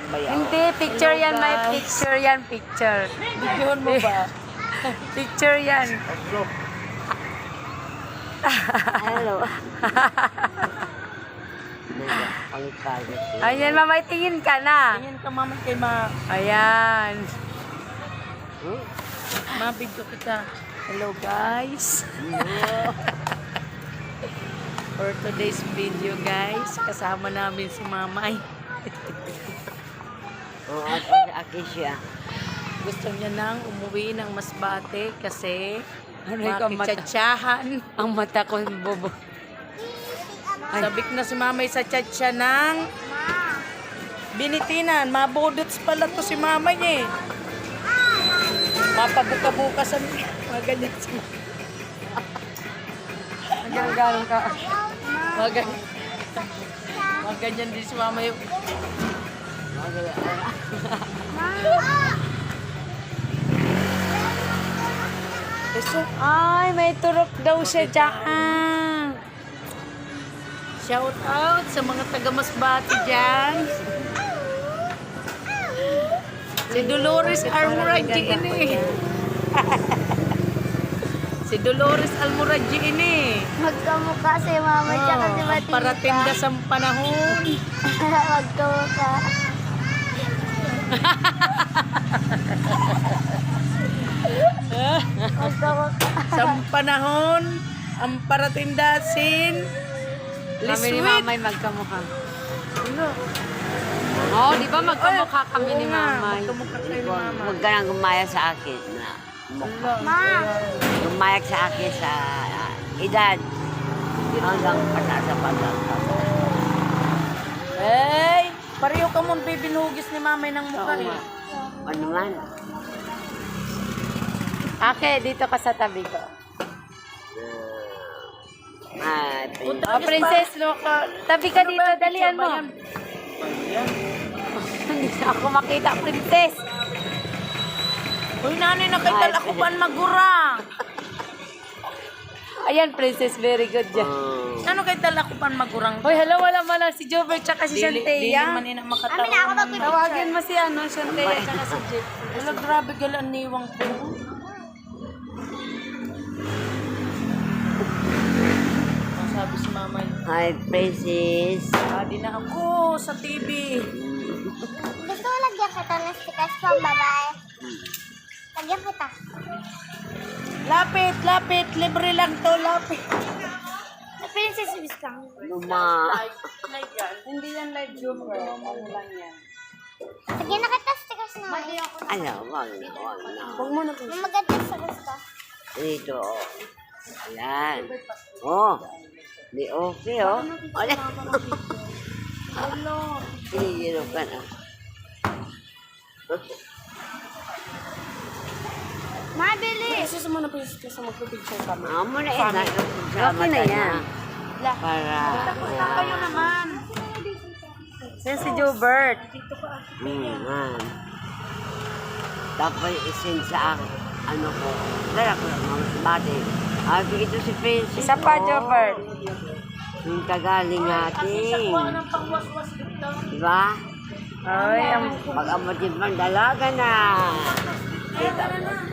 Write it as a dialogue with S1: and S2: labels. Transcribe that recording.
S1: bayaw.
S2: Hindi, picture
S1: Hello,
S2: yan. May
S1: guys.
S2: picture yan, picture.
S1: Videohan mo ba?
S2: Picture yan.
S1: Hello. Pangit-pangit.
S2: Ayan, mamay, tingin ka na.
S1: Tingin ka mama kay ma.
S2: Ayan.
S1: Ma-video kita.
S2: Hello, guys. For today's video, guys, kasama namin si Mamay.
S1: Oo, aki siya.
S2: Gusto niya nang umuwi ng Masbate kasi
S1: Aray ka, mata.
S2: makitsatsahan.
S1: Ang mata ko bobo.
S2: Sabik na si Mamay sa tsatsa ng Binitinan. Mabudots pala to si Mamay eh. Mapabuka-bukasan. Mga ganyan si Mamay.
S1: Hanggang gano'n ka.
S2: Mga ganyan. Mga ganyan din si Mamay. Ay, may turok daw siya dyan. Shout out sa mga taga Masbate dyan. Si Dolores Almoradji ini. Si Dolores Almoradji ini.
S3: Magkamukha si Mama tsaka si Matilda.
S2: Parating sa panahon.
S3: Magkamukha. Magkamukha.
S2: Sa panahon, ang paratindasin.
S1: Kami ni
S2: Liswit.
S1: Mamay magkamukha. Oo, di ba magkamukha kami ni Mamay?
S2: Magkamukha kayo ni Mama.
S4: Huwag ka nang gumaya sa akin na
S3: Ma,
S4: gumayag sa akin sa edad hanggang pataas sa pataas.
S2: Hey, pareho ka mong bibinugis ni Mamay ng mukha eh.
S4: Ano man?
S1: Ake, dito ka sa tabi ko.
S2: Punta
S1: Oh,
S2: ka
S1: princess, look. Tabi ka dito, dalian mo. Hindi na ako makita, princess.
S2: Uy, nanay na kay talakupan magura.
S1: Ayan, princess, very good dyan.
S2: Ano kay talakupan magurang?
S1: Hoy, hello, wala man lang si Jobert tsaka si
S2: Dili
S1: Shantea.
S2: man ina makatawa.
S3: amin na ako magpipicture.
S1: Tawagin mo si ano, Shantea tsaka si Jeff.
S2: Wala, grabe galan niwang ko. Ang sabi si Mamay.
S4: Hi, Princess.
S2: Adi na ako sa TV.
S3: Gusto mo lagyan kita ng stickers pang babae? Lagyan kita.
S2: Lapit, lapit. Libre lang to, lapit.
S3: Princess Miss lang.
S4: Luma.
S1: Hindi yan live Jobert. Ano lang yan.
S3: Lagyan na kita stickers na.
S4: Ano, wag na, wag na.
S1: Huwag mo na
S3: Maganda sa gusto.
S4: Dito, oh. Ayan. Oh. Di okay, oh. Ano? Hihirap ka na.
S3: Mabili.
S1: Kasi mo na princess kasi magpipicture ka mo.
S4: Amo na eh.
S1: Okay na yan.
S4: Para.
S2: Kayo naman.
S1: Yan si Jobert.
S4: Man. Tapos isin sa akin. Ano ko. Dala ko lang mga bati. Ito si Princess.
S1: Isa pa,
S4: oh.
S1: Jobert.
S4: Yung kagaling natin. Diba?
S1: Ay, ang
S4: Pag amotin man, dalaga na.